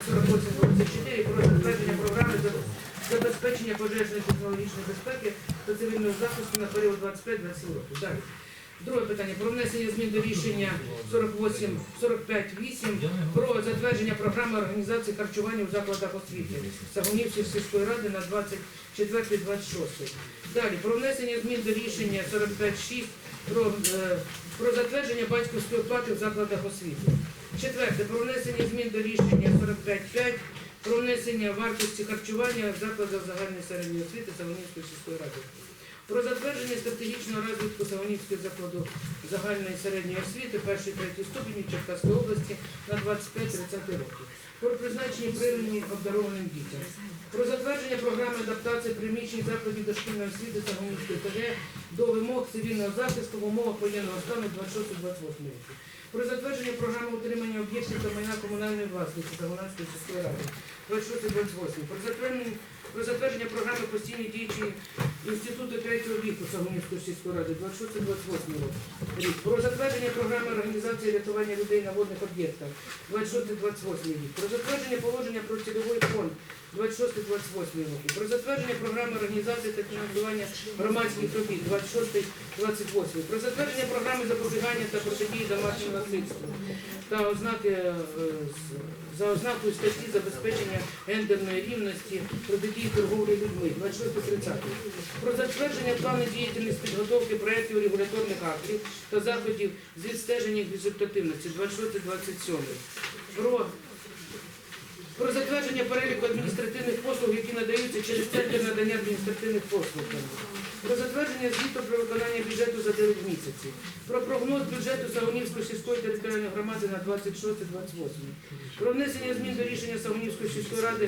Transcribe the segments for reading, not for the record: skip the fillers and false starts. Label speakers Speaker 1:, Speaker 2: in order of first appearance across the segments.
Speaker 1: 48-24 про затвердження програми забезпечення пожежної технологічної безпеки та цивільного захисту на період 25-27 років. Далі. Друге питання про внесення змін до рішення 45-8 про затвердження програми організації харчування у закладах освіти Сагунівської сільської ради на 24-26. Далі про внесення змін до рішення 45-6 про затвердження батьківської оплати в закладах освіти. Четверте, про внесення змін до рішення 45-5 про внесення вартості харчування в закладах загальної середньої освіти Сагунівської сільської ради. Про затвердження стратегічного розвитку Сагунівського закладу загальної середньої освіти 1-3 ступені Черкаської області на 25-30 років. Про призначення премії обдарованим дітям. Про затвердження програми адаптації приміщень закладів дошкільної освіти Сагунівської ТГ до вимог цивільного захисту в умовах воєнного стану 26-28 років. Про затвердження програми утримання об'єктів та майна комунальної власності Сагунівської сільської ради 26-28. Про затвердження програми постійної діючі Інституту третього віку Сагунівської сільської ради 26-28 рік. Про затвердження програми організації рятування людей на водних об'єктах 26-28 рік. Про затвердження положення про цільовий фонд 26-28 роки. Про затвердження програми організації та фінансування громадських робіт 26-28. Про затвердження програми запобігання та протидії домашньому насильству та за ознакою статті забезпечення гендерної рівності протидії торговлі людьми 26-30. Про затвердження плану діяльності підготовки проєктів регуляторних актів та заходів з відстеження їх результативності 26-27. Про затвердження переліку адміністративних послуг, які надаються через центр надання адміністративних послуг. Про затвердження звіту про виконання бюджету за 9 місяців. Про прогноз бюджету Сагунівської сільської територіальної громади на 26-28. Про внесення змін до рішення Сагунівської сільської ради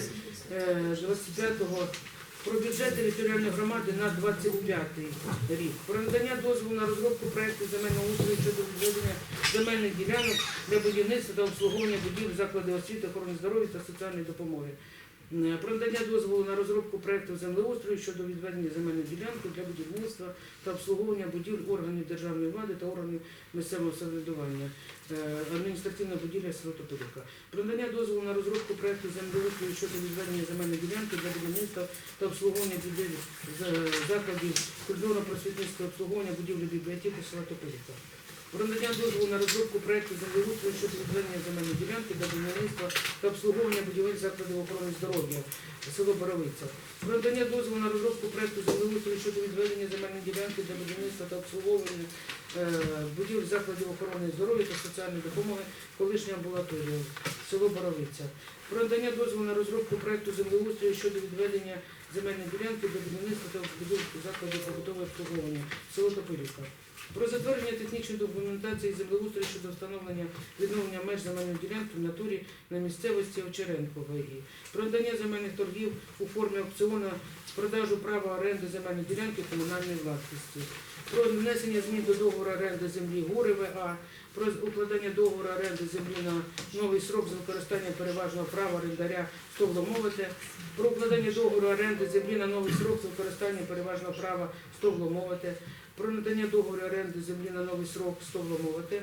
Speaker 1: 25-го про бюджет територіальної громади на 25 рік. Про надання дозволу на розробку проєкту земельного устрою щодо відведення земельних ділянок для будівництва та обслуговування будівель закладів освіти, охорони здоров'я та соціальної допомоги. Про надання дозволу на розробку проєкту землеустрою щодо відведення земельної ділянки для будівництва та обслуговування будівель органів державної влади та органів місцевого самоврядування. Адміністративна будівля село Тополівка. Про надання дозволу на розробку проєкту землеустрою щодо відведення земельної ділянки для будівництва та обслуговування будівель закладів культурно-просвітницького обслуговування будівлі бібліотеки села Тополівка. Про надання дозволу на розробку проєкту землеустрою щодо відведення земельної ділянки для будівництва та обслуговування будівель закладів охорони здоров'я село Боровиця. Про надання дозволу на розробку проєкту землеустрою щодо відведення земельної ділянки для будівництва та обслуговування будівель закладів охорони здоров'я та соціальної допомоги колишня амбулаторія село Боровиця. Про надання дозволу на розробку проєкту землеустрою щодо відведення земельної ділянки для будівництва та будівель закладів побутового обслуговування село Тополівка. Про затвердження технічної документації землеустрою щодо встановлення відновлення меж земельної ділянки в натурі на місцевості Овчаренко ВГ. Про надання земельних торгів у формі аукціону з продажу права оренди земельної ділянки комунальної власності. Про внесення змін до договору оренди землі Гори ВА. Про укладання договору оренди землі на новий срок з використанням переважного права орендаря Стовломовити. Про укладання договору оренди землі на новий срок з використанням переважного права Стовломовити. Про надання договору оренди землі на новий срок Стовломовити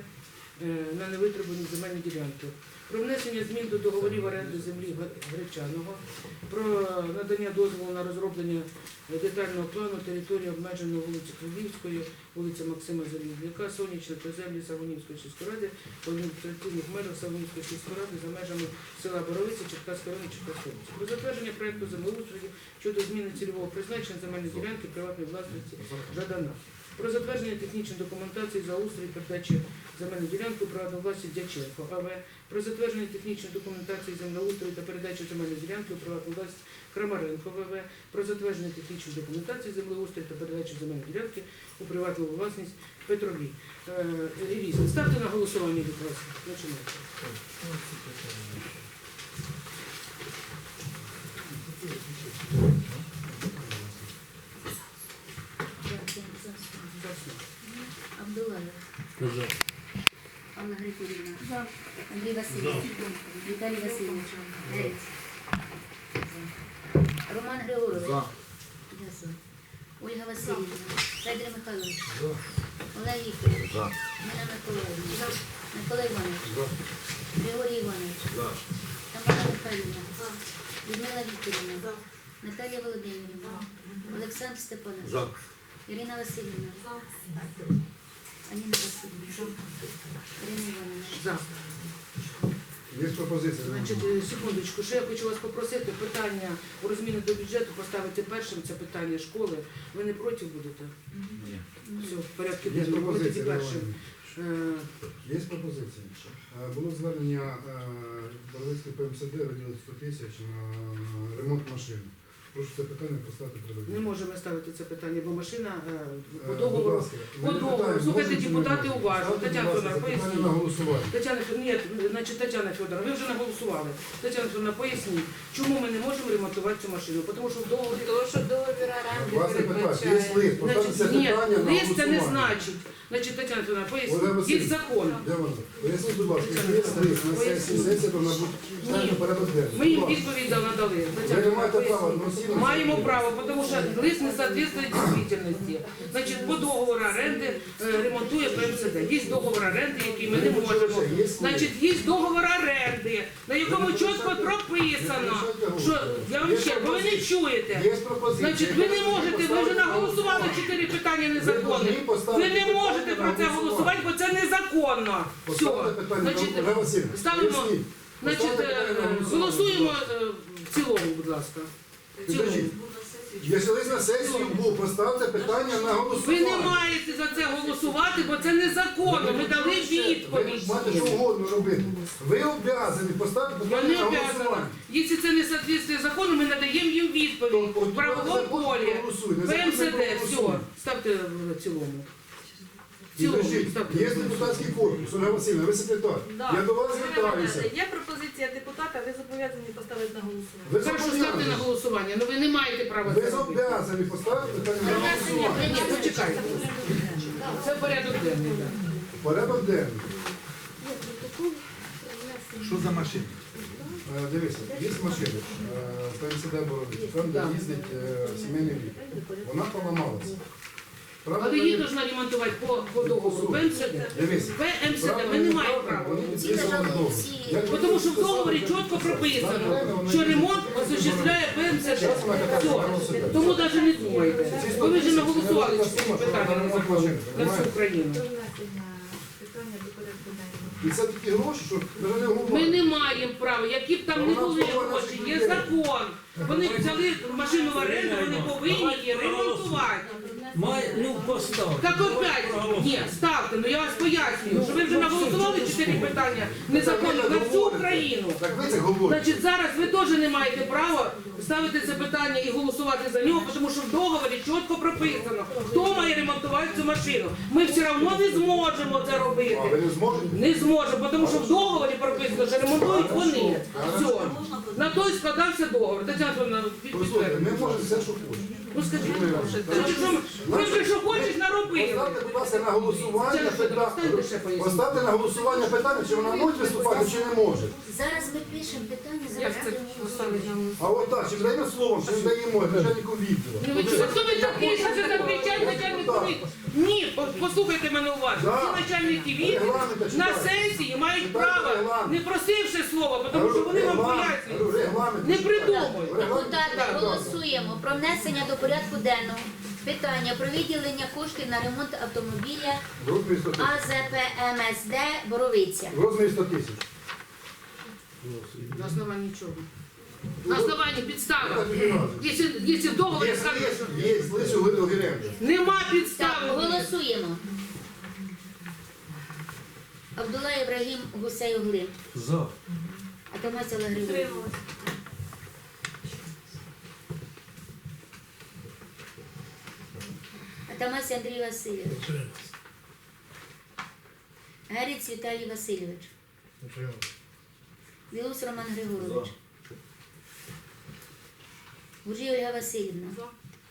Speaker 1: на невитребувані земельні ділянки. Про внесення змін до договорів оренди землі Гречаного. Про надання дозволу на розроблення детального плану території обмеженої вулиці Кривівської, вулиця Максима Залізняка, Сонячна та землі Сагунівської сільської ради, в адміністративних межах Сагунівської сільської ради за межами села Боровиця, Черкаської району, Черкаської області. Про затвердження проєкту землеустрою щодо зміни цільового призначення земельної ділянки приватної власності Жадана. Про затвердження технічної документації за устрій передачі земельної ділянки приватної власності Дяченко АВ. Про затвердження технічної документації землеустрою та передачі земельної ділянки у приватну власність Крамаренко ВВ. Про затвердження технічної документації землеустрою та передачі земельної ділянки у приватну власність Петрові. Іріса, ставте на голосування, будь ласка. Починайте.
Speaker 2: Абдулаєв. Анна Григорівна. Андрій Васильович. Віталій Васильович. Грець. Роман Григорович. Ольга Васильівна. Федір Михайлович. Олег Вікторович. Ніна Миколаївна. Микола Іванович. Григорій Іванович. Тамара Михайлівна, Людмила Вікторівна, Наталія Володимирівна, Олександр Степанович, Ірина Васильівна, Аніна Васильівна, Ірина Івановна.
Speaker 1: За.
Speaker 3: Є пропозиція.
Speaker 1: Значить, секундочку, що я хочу вас попросити, питання про зміни до бюджету поставити першим, це питання школи. Ви не проти будете?
Speaker 4: Ні.
Speaker 1: Все, в порядку
Speaker 3: Є
Speaker 1: денному. Ми тоді
Speaker 3: пропозиція.
Speaker 1: першим.
Speaker 3: Є пропозиція. Було звернення Боровицької ПМСД виділити 100 тисяч на ремонт машин. Прошу це питання поставити
Speaker 1: Не
Speaker 3: перед.
Speaker 1: можемо ставити це питання, бо машина по
Speaker 3: Будь
Speaker 1: договору.
Speaker 3: ласка,
Speaker 1: По
Speaker 3: ми не
Speaker 1: договору.
Speaker 3: питаємо,
Speaker 1: Слухайте,
Speaker 3: можемо чи не
Speaker 1: депутати,
Speaker 3: можемо.
Speaker 1: уважно.
Speaker 3: Ставте,
Speaker 1: Тетяна
Speaker 3: будь ласка,
Speaker 1: Федоровна,
Speaker 3: це питання
Speaker 1: поясніть.
Speaker 3: на голосування.
Speaker 1: Тетяна Федоровна, ви вже наголосували. Тетяна Федоровна, поясніть, чому ми не можемо ремонтувати цю машину? Тому що в договорі...
Speaker 5: Тому що договір оренди
Speaker 3: Вас не питають, є
Speaker 5: передбачає.
Speaker 3: лист, поставте це
Speaker 1: Ні,
Speaker 3: питання на
Speaker 1: лист це не
Speaker 3: голосування.
Speaker 1: значить. Значить, Тетяна Федоровна,
Speaker 3: Олег
Speaker 1: поясніть, є
Speaker 3: Васильович,
Speaker 1: закон.
Speaker 3: Де вона? Поясніть, будь ласка, якщо є лист на сесії, сесія повинна бути ставлена порядок денний.
Speaker 1: Ми їм
Speaker 3: Будь ласка.
Speaker 1: відповідь надали.
Speaker 3: Ви не маєте права одноосібно.
Speaker 1: Маємо право, тому що лист не соответствує дійсності. Значить, по договору оренди ремонтує ПМСД. Є договор оренди, який ми не можемо. Значить, є договор оренди, на якому чітко прописано, що я вам ще, бо ви не чуєте.
Speaker 3: Є пропозиція.
Speaker 1: Значить, ви не можете, ви вже наголосували 4 питання незаконних. Ви не можете про це голосувати, бо це незаконно. Все.
Speaker 3: Поставте питання,
Speaker 1: Значить,
Speaker 3: Олег Васильович,
Speaker 1: ставимо,
Speaker 3: поясніть.
Speaker 1: значить,
Speaker 3: Поставте питання на голосування.
Speaker 1: голосуємо в цілому, будь ласка. В цілому.
Speaker 3: Підождіть. Якщо лист на сесію був, поставте питання на
Speaker 1: Ви
Speaker 3: голосування.
Speaker 1: не маєте за це голосувати, бо це незаконно. Ми дали
Speaker 3: Ви
Speaker 1: відповідь.
Speaker 3: маєте що угодно робити. Ви обов'язані поставити
Speaker 1: Я
Speaker 3: питання
Speaker 1: не
Speaker 3: на
Speaker 1: обязана.
Speaker 3: голосування.
Speaker 1: Якщо це не соответствує закону, ми надаємо їм відповідь. В правовому полі. ПМСД, все. Ставте в цілому. В цілому,
Speaker 3: Підождіть,
Speaker 1: ставте.
Speaker 3: є депутатський корпус, Ольга Васильівна, ви секретар.
Speaker 5: Да.
Speaker 3: Я до вас
Speaker 5: Ірина
Speaker 3: звертаюся.
Speaker 5: Іванівна, Є пропозиція депутата, ви зобов'язані поставити на голосування.
Speaker 3: Ви
Speaker 1: Хорошо, ставте на
Speaker 3: зобов'язані.
Speaker 1: голосування, але ви не маєте права
Speaker 3: Ви
Speaker 1: це робити.
Speaker 3: зобов'язані поставити питання на голосування.
Speaker 1: Ні, почекайте. Це порядок денний. так.
Speaker 3: Порядок денний.
Speaker 4: Що за машина?
Speaker 3: Дивіться, є машина, ПМСД Боровицька, там де їздить сімейний лікар. Вона поламалася. Правда,
Speaker 1: Але її повинна ремонтувати по договору. ПМСД.
Speaker 3: Дивіться.
Speaker 1: ПМСД, ми не маємо права.
Speaker 2: Ці лежали всі.
Speaker 1: Тому що в договорі чітко прописано, що ремонт осуществляє ПМСД. Все. Тому навіть не думайте. Бо ви вже наголосували 4 питання на закон на всю Україну.
Speaker 5: Питання до порядку денного.
Speaker 3: І це такі гроші, що навіть не
Speaker 1: Ми
Speaker 3: говорять.
Speaker 1: не маємо права, які б там не були гроші, є закон. Вони взяли машину в оренду, вони повинні її ремонтувати.
Speaker 6: Постав.
Speaker 1: Так опять, ні, ставте, ну я вас пояснюю, що ви вже наголосували 4 питання незаконно на всю Україну.
Speaker 3: Так ви це говорите.
Speaker 1: Значить, зараз ви теж не маєте права ставити це питання і голосувати за нього, тому що в договорі чітко прописано, хто має ремонтувати цю машину. Ми все одно не зможемо це
Speaker 3: А
Speaker 1: робити.
Speaker 3: ви не зможете?
Speaker 1: Не зможемо, тому що в договорі прописано, що ремонтують вони. Все. На той складався договор. Тетяна Федоровна,
Speaker 3: Послухайте, ми
Speaker 1: підтвердіть.
Speaker 3: можемо все, що хочемо.
Speaker 1: Ну скажіть, значить, що ви вже що хочеш наробили.
Speaker 3: Поставте, будь ласка, на голосування
Speaker 1: Тетяна Федоровна, встаньте ще
Speaker 3: питання.
Speaker 1: поясніть.
Speaker 3: Поставте на голосування питання, чи вона може виступати, чи не може.
Speaker 2: Зараз ми пишемо питання, зараз будемо голосувати.
Speaker 3: А от так, чи даємо словом, чи не даємо начальнику відділу.
Speaker 1: Ну ви чого? Хто ви такий, що це закричать начальнику відділу? Ні, послухайте мене уважно.
Speaker 3: Да.
Speaker 1: Всі начальники відділу
Speaker 3: Регламент
Speaker 1: на
Speaker 3: читайте.
Speaker 1: сесії мають
Speaker 3: Читайте
Speaker 1: право,
Speaker 3: регламент.
Speaker 1: не просивши слова, тому що вони вам пояснюють.
Speaker 3: Регламент.
Speaker 1: Не придумують.
Speaker 2: Депутати, голосуємо про внесення до порядку денного питання про виділення коштів на ремонт автомобіля
Speaker 3: В розмірі 100 тисяч.
Speaker 2: АЗП МСД Боровиця.
Speaker 3: В розмірі 100 тисяч.
Speaker 1: На основанні чого? На основанні підстава.
Speaker 3: Так, не надо.
Speaker 1: Якщо в договорі
Speaker 3: Є
Speaker 1: сказано, що
Speaker 3: лист у Гіренко.
Speaker 1: нема
Speaker 2: Так,
Speaker 1: підстави.
Speaker 2: голосуємо. Абдулла Ібрагім Гусей Оглин.
Speaker 6: За.
Speaker 2: Атамась Олег Григорій.
Speaker 5: Утрималась.
Speaker 2: Атамась Андрій Васильович. Герець Віталій Васильович. Білус Роман Григорович. Гуржій Ольга Васильівна.
Speaker 5: За.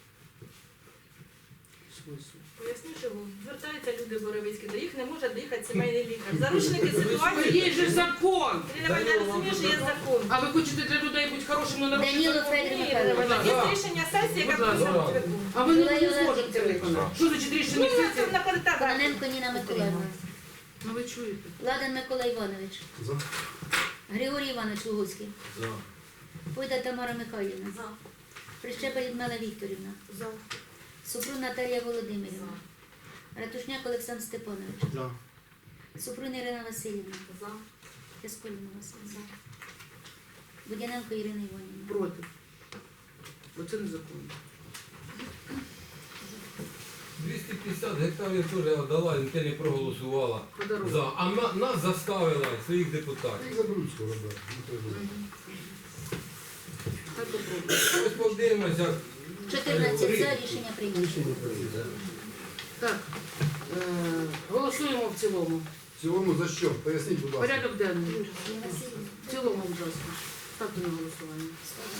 Speaker 5: Поясню, що звертаються люди Боровицькі, до їх не може доїхати сімейний лікар. Заручники ситуації.
Speaker 1: Є же закон.
Speaker 5: Ірина Іванівна, розуміє, що є закон.
Speaker 1: А ви хочете для людей бути хорошими на
Speaker 2: Даніло Федір Михайлович.
Speaker 5: Є рішення сесії, яка просить.
Speaker 1: А ви не зможете це виконати. Що значить рішення
Speaker 5: Ну,
Speaker 1: сесії?
Speaker 5: це находить так.
Speaker 2: Кононенко Ніна Миколаївна.
Speaker 1: Ну ви чуєте.
Speaker 2: Ладан Микола Іванович.
Speaker 3: За.
Speaker 2: Григорій Іванович Луговський.
Speaker 6: За.
Speaker 2: Пойда Тамара Михайлівна.
Speaker 5: За.
Speaker 2: Прищепа Людмила Вікторівна.
Speaker 5: За.
Speaker 2: Супрун Наталія Володимирівна. Ратушняк Олександр Степанович.
Speaker 3: За.
Speaker 2: Супрун Ірина Васильівна.
Speaker 5: За.
Speaker 2: Ясколіна Васильівна. Будяненко Ірина Іванівна.
Speaker 1: Проти. Оце незаконно.
Speaker 6: 250 гектарів теж отдала, ніхто не проголосувала.
Speaker 1: Подарунок.
Speaker 6: За. А нас заставила, своїх депутатів.
Speaker 3: І заберуть скоро, так. Не треба.
Speaker 1: Хай попробує.
Speaker 6: Ось подивимося.
Speaker 2: 14 за, рішення прийнято.
Speaker 1: Так, голосуємо в цілому.
Speaker 3: В цілому за що? Поясніть, будь ласка.
Speaker 1: Порядок денний. В цілому, будь ласка. Ставте на голосування.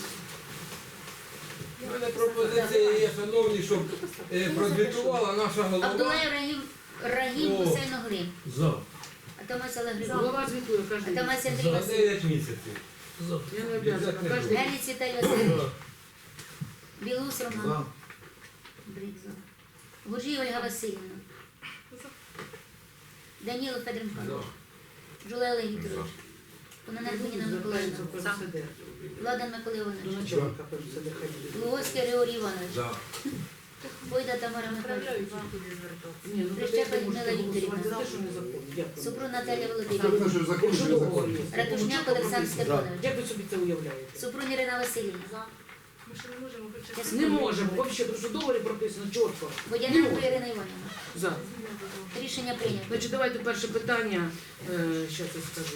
Speaker 6: У мене пропозиція є, шановні, щоб прозвітувала наша голова.
Speaker 2: Абдулаєв Рагім
Speaker 6: О.
Speaker 2: Гусейн Оглин.
Speaker 6: За.
Speaker 2: Атамас Олег Григорович.
Speaker 1: Голова звітує кожен день.
Speaker 2: Атамас Андрій
Speaker 6: За
Speaker 2: Васильович.
Speaker 6: 9 місяців.
Speaker 1: Я не обов'язана. Кожен день.
Speaker 2: Геліць Віталій Васильович. Білус Роман. Брик за. Гуржій Ольга Васильівна. Даніло Федір Михайлович. Жулай Олег Вікторович. Кононенко Ніна Миколаївна.
Speaker 1: Звертається в ПМСД.
Speaker 2: Владан Микола
Speaker 1: До
Speaker 2: Іванович.
Speaker 1: начальника ПМСД ходили.
Speaker 2: Луговський Григорій Іванович.
Speaker 6: За.
Speaker 2: Бойда Тамара Михайлівна.
Speaker 5: Направляють туди звертатися.
Speaker 1: Ні, ну
Speaker 2: Прищепа
Speaker 1: ви можете
Speaker 2: Людмила
Speaker 1: голосувати
Speaker 2: Вікторівна.
Speaker 1: за те, що незаконно. Дякую.
Speaker 2: Супрун Наталія
Speaker 3: Це
Speaker 2: Володимирівна.
Speaker 3: видно, що закон, що не закон.
Speaker 2: Ратушняк Олександр Степанович.
Speaker 1: Як ви собі це уявляєте?
Speaker 2: Супрун Ірина Васильівна.
Speaker 5: За. Ми ще не можемо причастити.
Speaker 1: Не можемо, взагалі, тому що в договорі прописано чітко.
Speaker 2: Водяненко Ірина Іванівна.
Speaker 1: За.
Speaker 2: Рішення прийнято.
Speaker 1: Значить, давайте перше питання, зараз я скажу.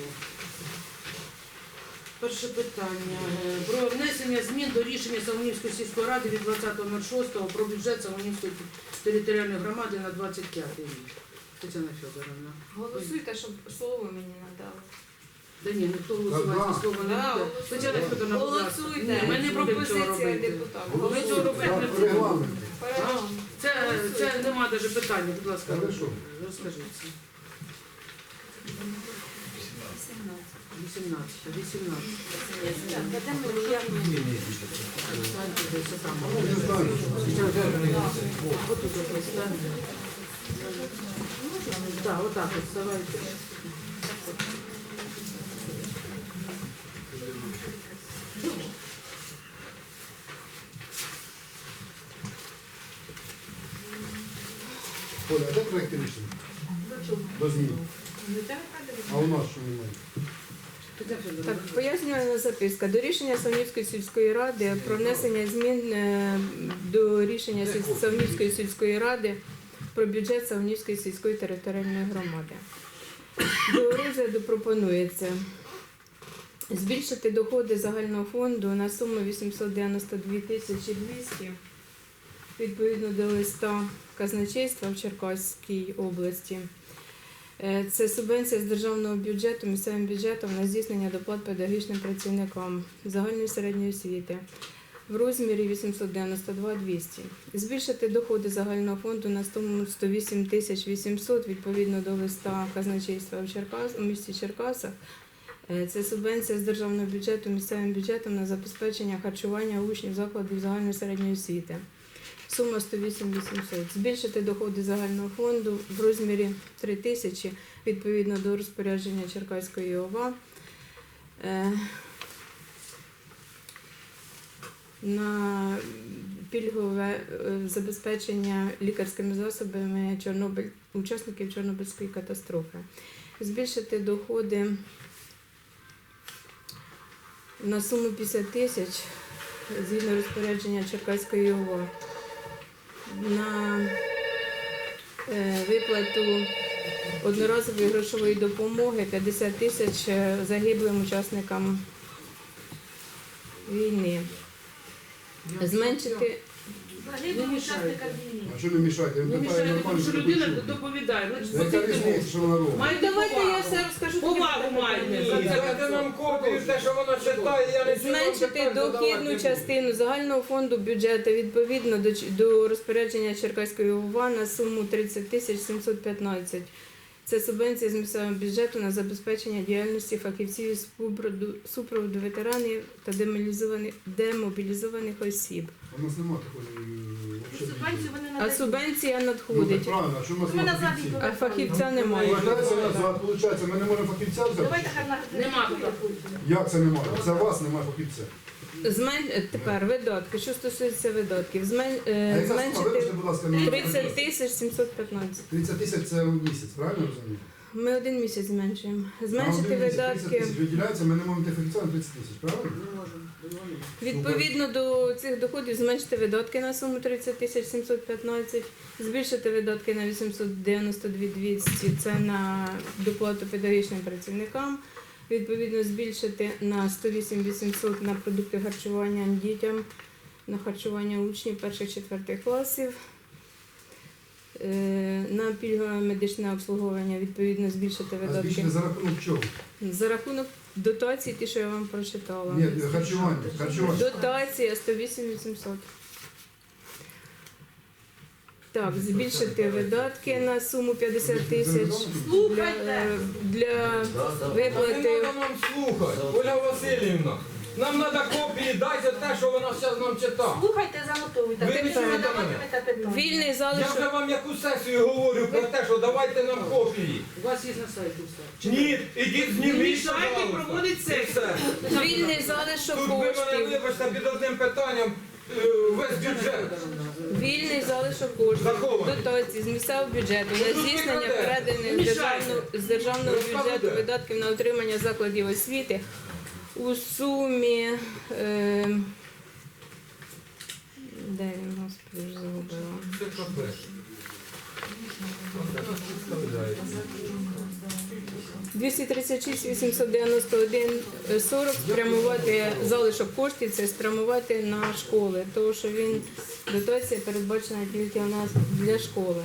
Speaker 1: Перше питання. Про внесення змін до рішення Солонівської сільської ради від 20.06 про бюджет Солонівської територіальної громади на 25 рік. Тетяна Федоровна.
Speaker 5: Голосуйте, щоб слово мені надали.
Speaker 1: Да ні, ніхто голосувати слово не
Speaker 5: Да,
Speaker 1: буде.
Speaker 5: голосуйте.
Speaker 1: Тетяна Федоровна, будь ласка.
Speaker 5: Голосуйте.
Speaker 1: Ні, ми не будемо цього
Speaker 5: Пропозиція
Speaker 1: робити.
Speaker 5: депутата.
Speaker 1: Ми цього робити не
Speaker 3: За
Speaker 1: будемо.
Speaker 3: регламент.
Speaker 5: Перегляд.
Speaker 1: Це нема навіть питання, будь ласка,
Speaker 3: Хорошо.
Speaker 1: розкажіть. 18.
Speaker 3: Не знаю.
Speaker 1: Так, отак от, давайте.
Speaker 3: Оля, а де проєкт рішення? До змін. А у нас що немає?
Speaker 1: Тетяна Федоровна,
Speaker 4: Так, пояснювальна записка. До рішення Савнівської сільської ради про внесення змін до рішення Савнівської сільської ради про бюджет Савнівської сільської територіальної громади. До розгляду пропонується збільшити доходи загального фонду на суму 892 200 відповідно до листа казначейства в Черкаській області. Це субвенція з державного бюджету місцевим бюджетом на здійснення доплат педагогічним працівникам загальної середньої освіти в розмірі 892 200. Збільшити доходи загального фонду на суму 108 800 відповідно до листа казначейства у місті Черкасах. Це субвенція з державного бюджету місцевим бюджетом на забезпечення харчування учнів закладів загальної середньої освіти. Сума 108 800. Збільшити доходи загального фонду в розмірі 3 тисячі відповідно до розпорядження Черкаської ОВА на пільгове забезпечення лікарськими засобами учасників Чорнобильської катастрофи. Збільшити доходи на суму 50 тисяч згідно розпорядження Черкаської ОВА на виплату одноразової грошової допомоги 50 тисяч загиблим учасникам війни. Зменшити
Speaker 5: Загиблим учасникам війни.
Speaker 3: А що не мішати?
Speaker 1: не мішайте, тому що людина доповідає. Значить,
Speaker 3: Яка
Speaker 1: слухайте
Speaker 3: різниця,
Speaker 1: мовчки.
Speaker 3: що вона робить?
Speaker 1: Маєте
Speaker 4: Давайте я
Speaker 1: повагу.
Speaker 4: все розкажу.
Speaker 1: Повагу маєте. За це
Speaker 6: Дайте нам копію, те, що вона читає, я не
Speaker 4: Зменшити дохідну частину загального фонду бюджету відповідно до розпорядження Черкаської ОВА на суму 30 тисяч 715. Це субвенція з місцевого бюджету на забезпечення діяльності фахівців із супроводу ветеранів та демобілізованих осіб.
Speaker 3: У нас немає такої
Speaker 5: Субвенцію вони
Speaker 4: А
Speaker 5: надають.
Speaker 4: субвенція
Speaker 3: Ну,
Speaker 4: надходить,
Speaker 3: так правильно, а що в нас
Speaker 5: Ми
Speaker 3: немає
Speaker 5: назад
Speaker 3: фахівців?
Speaker 4: а фахівця немає.
Speaker 3: Виходить, ми не можемо фахівця взяти?
Speaker 5: Давайте хай
Speaker 1: Нема
Speaker 3: Як це немає? Це у вас немає фахівця.
Speaker 4: Тепер видатки. Що стосується видатків,
Speaker 3: А яка сума?
Speaker 4: зменшити
Speaker 3: Вибачте, будь ласка, на
Speaker 4: 30 тисяч 715.
Speaker 3: 30 тисяч це в місяць, правильно розумію?
Speaker 4: Ми один місяць зменшуємо.
Speaker 3: На
Speaker 4: Зменшити
Speaker 3: один місяць 30
Speaker 4: видатки.
Speaker 3: тисяч виділяється, ми не можемо йти фахівця на 30 тисяч, правильно?
Speaker 4: Відповідно до цих доходів зменшити видатки на суму 30 тисяч 715, збільшити видатки на 892 200, це на доплату педагогічним працівникам, відповідно збільшити на 108 800 на продукти харчування дітям, на харчування учнів 1-4 класів, на пільгове медичне обслуговування відповідно збільшити
Speaker 3: А
Speaker 4: видатки
Speaker 3: збільшити за рахунок чого?
Speaker 4: за рахунок дотацій, ті, що я вам прочитала.
Speaker 3: Ні, харчування.
Speaker 4: Дотація 108 800. Так, збільшити видатки на суму 50 тисяч для
Speaker 6: Не
Speaker 4: виплати.
Speaker 6: треба нам слухати, Оля Васильівна. Нам треба копії, дайте те, що вона зараз нам читає.
Speaker 5: Слухайте, занотовуйте.
Speaker 6: Ви
Speaker 5: Ви
Speaker 6: не чуєте мене?
Speaker 5: задаватимете питання.
Speaker 4: Вільний
Speaker 6: Я вже
Speaker 4: залишок.
Speaker 6: вам яку сесію говорю про те, що давайте нам копії.
Speaker 1: У вас є на сайті все.
Speaker 6: Ні, ідіть
Speaker 1: Не
Speaker 6: зніміть,
Speaker 1: мішайте
Speaker 6: пожалуйста.
Speaker 1: проводити
Speaker 6: І
Speaker 1: сесію.
Speaker 6: все.
Speaker 4: Вільний залишок
Speaker 6: Тут ви мене
Speaker 4: коштів.
Speaker 6: вибачте під одним питанням весь бюджет.
Speaker 4: Вільний залишок коштів.
Speaker 6: Захований.
Speaker 4: Дотації з місцевого бюджету на
Speaker 6: Ну, тут
Speaker 4: здійснення
Speaker 6: ви крадете.
Speaker 4: переданих з державного бюджету
Speaker 6: Розказуйте.
Speaker 4: видатків на утримання закладів освіти у сумі. Де він, господи, вже загубила.
Speaker 6: Це капець.
Speaker 4: 236 891 40 спрямувати залишок коштів, це спрямувати на школи, тому що він дотація передбачена тільки у нас для школи.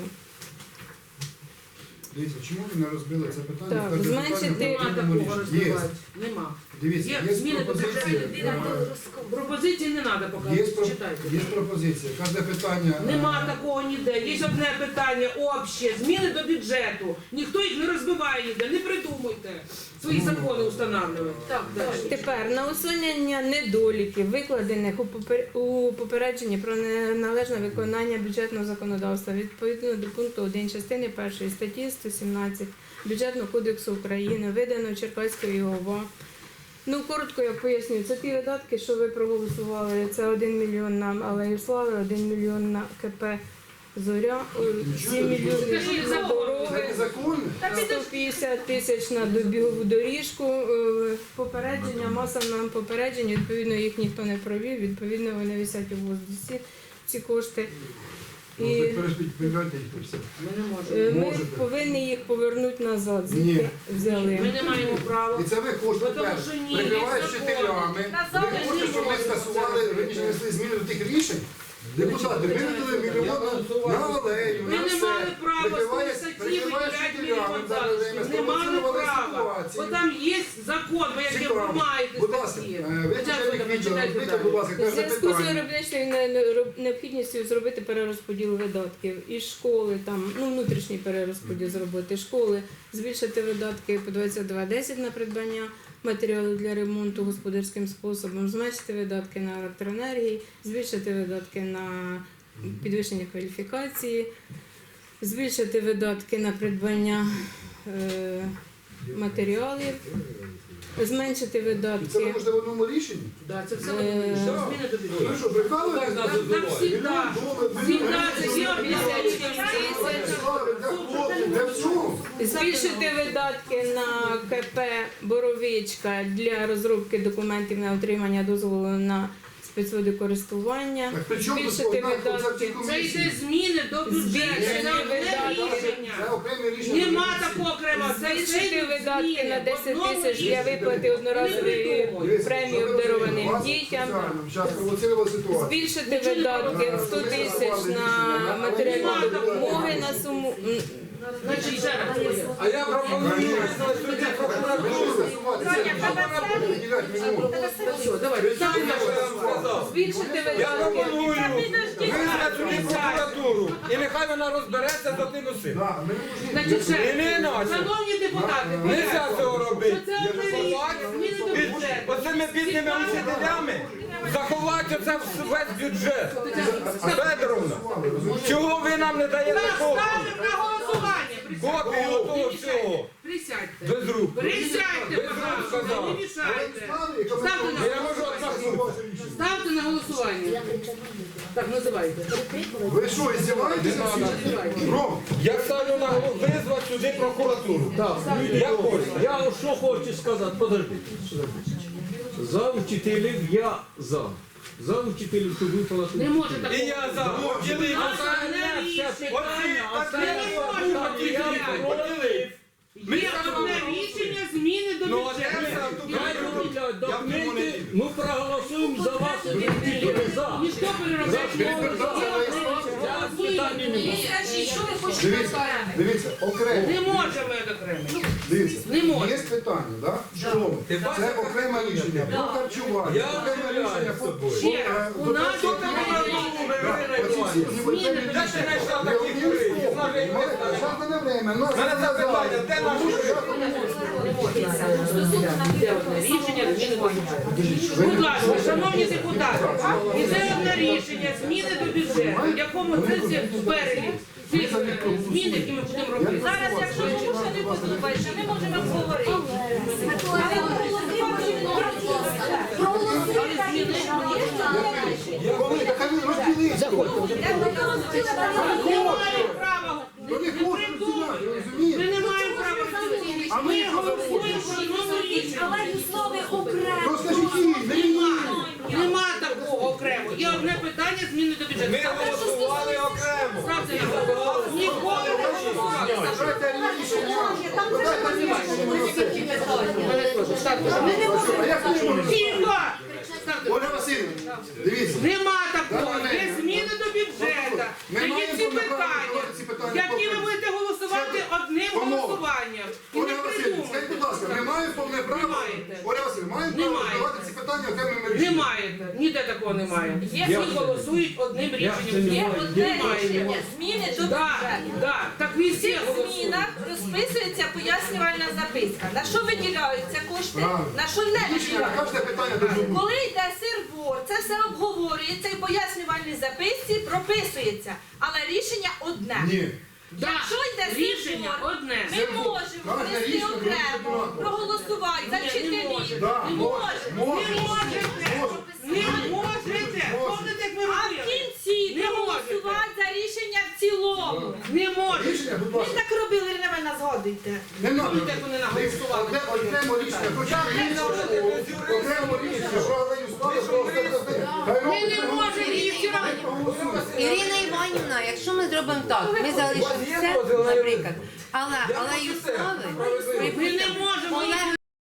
Speaker 3: Дивіться, чому ви не розбили це питання?
Speaker 4: Так,
Speaker 3: Кожне
Speaker 4: зменшити-
Speaker 3: питання
Speaker 1: Нема
Speaker 3: потрібно
Speaker 1: такого
Speaker 3: рішення. Є.
Speaker 1: роздавати. Нема.
Speaker 3: Дивіться,
Speaker 1: Є
Speaker 3: є
Speaker 1: зміни до
Speaker 3: пропозиції.
Speaker 1: Пропозиції не треба
Speaker 3: Є,
Speaker 1: показувати. Читайте.
Speaker 3: є пропозиція. Кожне питання.
Speaker 1: Нема такого ніде. Є одне питання обще. Зміни до бюджету. Ніхто їх не розбиває ніде. Не придумуйте. Свої закони встановлювати. Так, далі.
Speaker 4: Тепер на усунення недоліків, викладених у попередженні про неналежне виконання бюджетного законодавства відповідно до пункту 1 частини 1 статті 117 Бюджетного кодексу України, видано Черкаською ОВА. Ну, коротко я поясню, це ті видатки, що ви проголосували. Це 1 мільйон на Алею Слави, 1 мільйон на КП Зоря, 7 мільйонів на
Speaker 3: Це
Speaker 4: дороги.
Speaker 3: незаконне?
Speaker 4: 150 тисяч на бігову доріжку, попередження, маса нам попереджень, відповідно їх ніхто не провів, відповідно вони висять у воздусі, ці кошти.
Speaker 3: Ну,
Speaker 4: І
Speaker 3: так передайте їх і все.
Speaker 1: Ми не можемо.
Speaker 4: ми
Speaker 3: Можете.
Speaker 4: повинні їх повернути назад, звідки
Speaker 3: Ні.
Speaker 4: взяли.
Speaker 1: Ми не маємо права.
Speaker 3: І це ви хочете
Speaker 1: Тому
Speaker 3: тепер,
Speaker 1: що ні,
Speaker 3: прикриваючи
Speaker 1: є
Speaker 3: вчителями,
Speaker 5: закони.
Speaker 3: ви хочете, щоб ми скасували, раніше внесли зміни до тих рішень. Депутати, ви видали мільйон на алею,
Speaker 1: Ми
Speaker 3: на
Speaker 1: не
Speaker 3: все.
Speaker 1: мали права з тої
Speaker 3: Прикриваючи
Speaker 1: статті
Speaker 3: вчителями,
Speaker 1: виділяти мільйон залишків. Не мали
Speaker 3: спровоцирували
Speaker 1: права. Бо
Speaker 3: ситуацію.
Speaker 1: там є закон, ви як
Speaker 3: Цікаво.
Speaker 1: ви маєте
Speaker 3: Будь ласка,
Speaker 1: статті.
Speaker 3: ви начальник відділу, розбийте, будь ласка,
Speaker 4: У
Speaker 3: кожне
Speaker 4: зв'язку з
Speaker 3: питання.
Speaker 4: виробничою необхідністю зробити перерозподіл видатків і школи, там, ну, внутрішній перерозподіл зробити школи, збільшити видатки по 22,10 на придбання матеріалів для ремонту господарським способом, зменшити видатки на електроенергії, збільшити видатки на підвищення кваліфікації, збільшити видатки на придбання матеріалів, зменшити
Speaker 3: І це ви
Speaker 4: видатки.
Speaker 3: можете в одному рішенні?
Speaker 1: Да, це все
Speaker 4: Е,
Speaker 1: зміни до
Speaker 3: Ви
Speaker 1: бюджету.
Speaker 3: що, прикалуєтесь?
Speaker 6: Так нас
Speaker 1: Там
Speaker 6: називають.
Speaker 1: всегда. Всегда це є обіцянки.
Speaker 3: Для всього.
Speaker 4: Збільшити видатки на КП Боровичка для розробки документів на отримання дозволу на спецводокористування.
Speaker 3: Так при чому тут
Speaker 4: Збільшити
Speaker 3: одна
Speaker 4: видатки.
Speaker 1: Це йде
Speaker 3: комісії?
Speaker 1: зміни до бюджету.
Speaker 4: Збільшити
Speaker 1: Це одне
Speaker 4: видатки.
Speaker 3: Це
Speaker 1: рішення.
Speaker 3: окреме рішення.
Speaker 1: Нема
Speaker 3: комісії.
Speaker 1: такого окремо. Це
Speaker 4: Збільшити
Speaker 1: все
Speaker 4: видатки
Speaker 1: зміни.
Speaker 4: на
Speaker 1: В
Speaker 4: 10
Speaker 1: одному
Speaker 4: тисяч для
Speaker 1: рішенні.
Speaker 4: виплати одноразової
Speaker 3: Дивіться,
Speaker 4: премії
Speaker 3: що ви
Speaker 4: обдарованим
Speaker 3: вас
Speaker 4: дітям.
Speaker 3: спеціально зараз провоцирували ситуацію.
Speaker 4: Збільшити видатки 100 тисяч на матеріальні допомоги на суму.
Speaker 1: Значить, ще раз.
Speaker 6: А я пропоную визнати судді прокуратуру.
Speaker 1: Все, давай.
Speaker 6: Чуєте, що я вам сказав?
Speaker 4: Збільшити
Speaker 6: Я
Speaker 4: видатки.
Speaker 6: пропоную визнати судді прокуратуру. І нехай вона розбереться за тим усім.
Speaker 1: Значить, ще
Speaker 6: І не
Speaker 1: раз.
Speaker 6: іначе.
Speaker 1: Шановні депутати,
Speaker 6: Нельзя цього робити.
Speaker 1: це одне рішення. Зміни до
Speaker 6: Під
Speaker 1: бюджету.
Speaker 6: оцими бідними учителями заховати вливайте це в весь бюджет. Федоровна, чого ви нам не даєте копію?
Speaker 1: Ставимо на голосування.
Speaker 6: Копію того всього.
Speaker 1: Присядьте.
Speaker 6: Без рук.
Speaker 1: Присядьте,
Speaker 6: Без рук
Speaker 1: пожалуйста,
Speaker 6: сказав.
Speaker 1: не мішайте. Ставте на
Speaker 6: Я можу отмахнутися.
Speaker 1: Ставте на голосування. Так, називайте.
Speaker 3: Ви що, издеваетесь? Ром,
Speaker 6: Я ставлю на визвати сюди прокуратуру. Я хочу.
Speaker 7: Я що хочу сказати, подожди. За вчителів я за. За вчителів, щоб виплатити.
Speaker 1: Не може такого.
Speaker 6: І я за. Поділи.
Speaker 1: Остальне рішення.
Speaker 6: Поділи.
Speaker 1: Є одне рішення зміни до бюджету.
Speaker 7: Документи, ми проголосуємо за вас вчителів. За.
Speaker 1: Ніхто переробляти.
Speaker 3: дивіться, окремо.
Speaker 1: Не можемо окремо.
Speaker 3: Дивіться,
Speaker 1: Не може.
Speaker 3: є питання, да? Школи. Це окреме рішення. Про харчування.
Speaker 6: Я
Speaker 3: Окреме рішення.
Speaker 6: з собою.
Speaker 1: Ще раз, у нас
Speaker 6: Де ти знайшла такі кури?
Speaker 3: Зараз не время.
Speaker 6: У мене запитання, де наші кури?
Speaker 1: Іде одне рішення зміни до бюджету. Будь ласка, шановні депутати, іде одне рішення зміни до бюджету, в якому це всі перелік цих змін, які ми будемо робити.
Speaker 5: Зараз, якщо комусь не подобається, ми можемо обговорити.
Speaker 3: Коли, так ви розділіться.
Speaker 1: Ми не маємо права.
Speaker 3: Вони хочуть розділяти,
Speaker 1: Ми
Speaker 3: розумієте?
Speaker 1: не маємо права розділити.
Speaker 3: А ми
Speaker 1: Ми
Speaker 3: що
Speaker 1: голосуємо про одному рішення.
Speaker 3: Розкажіть їй, не мені.
Speaker 1: Нема такого окремо. Є одне питання зміни до бюджету.
Speaker 6: Ми голосували окремо.
Speaker 1: Ставте на голосування. Ніколи не голосували.
Speaker 3: Дайте рішення. Дайте рішення.
Speaker 1: Мене теж. Ставте на голосування.
Speaker 3: А як ви можете?
Speaker 1: Тихо! Ставте.
Speaker 3: Ольга Васильівна, дивіться.
Speaker 1: Нема такого. Є зміни до бюджету.
Speaker 3: Ми
Speaker 1: Є
Speaker 3: маємо
Speaker 1: ці
Speaker 3: повне право
Speaker 1: питання,
Speaker 3: говорити ці питання
Speaker 1: які ви
Speaker 3: поки.
Speaker 1: будете голосувати одним
Speaker 3: Панове,
Speaker 1: голосуванням. І не
Speaker 3: Ольга Васильівна, скажіть, будь ласка, ми маємо повне право?
Speaker 1: Не маєте.
Speaker 3: Ольга Васильівна, маємо
Speaker 1: Не
Speaker 3: право
Speaker 1: маєте.
Speaker 3: давати ці питання окремими
Speaker 1: Не
Speaker 3: рішеннями?
Speaker 1: маєте. Ніде такого немає. Всі голосують одним рішенням.
Speaker 5: Є одне
Speaker 1: Немає.
Speaker 5: рішення зміни до
Speaker 1: Так,
Speaker 5: бюджету.
Speaker 1: так. Так ви
Speaker 5: В
Speaker 1: всі
Speaker 5: цих
Speaker 1: голосують.
Speaker 5: змінах розписується пояснювальна записка. На що виділяються кошти,
Speaker 3: Правильно.
Speaker 5: на що не
Speaker 3: Рішення на
Speaker 5: виділяються.
Speaker 3: кожне питання дуже бути.
Speaker 5: Коли йде сирбор, це все обговорюється і в пояснювальній записці прописується. Але рішення одне.
Speaker 3: Ні.
Speaker 5: Якщо йде
Speaker 1: Рішення
Speaker 5: сирбор,
Speaker 1: одне.
Speaker 5: ми
Speaker 3: Сирбор.
Speaker 5: можемо
Speaker 3: Кожне
Speaker 5: внести
Speaker 3: рішення
Speaker 5: окремо,
Speaker 3: буде
Speaker 5: проголосувати за
Speaker 1: Ні, не
Speaker 5: вчителів.
Speaker 1: може.
Speaker 3: Да,
Speaker 5: Не
Speaker 3: може.
Speaker 5: може.
Speaker 1: Не можете. Не можете. Помните, як ми
Speaker 5: А в
Speaker 1: робили?
Speaker 5: кінці
Speaker 1: Не
Speaker 5: проголосувати за рішення в цілому.
Speaker 1: Не можете.
Speaker 3: Рішення, будь
Speaker 5: Ви
Speaker 3: ласка.
Speaker 5: так робили, ви на мене згодуйте.
Speaker 3: Не надо.
Speaker 1: Помните, як вони наголосували?
Speaker 3: Окремо рішення. Окремо рішення. Що Галину склали, що
Speaker 1: Ми не можемо її всі
Speaker 8: Ірина Іванівна, якщо ми зробимо так, ми залишимо все, наприклад, але Юслави
Speaker 1: Ми не можемо їх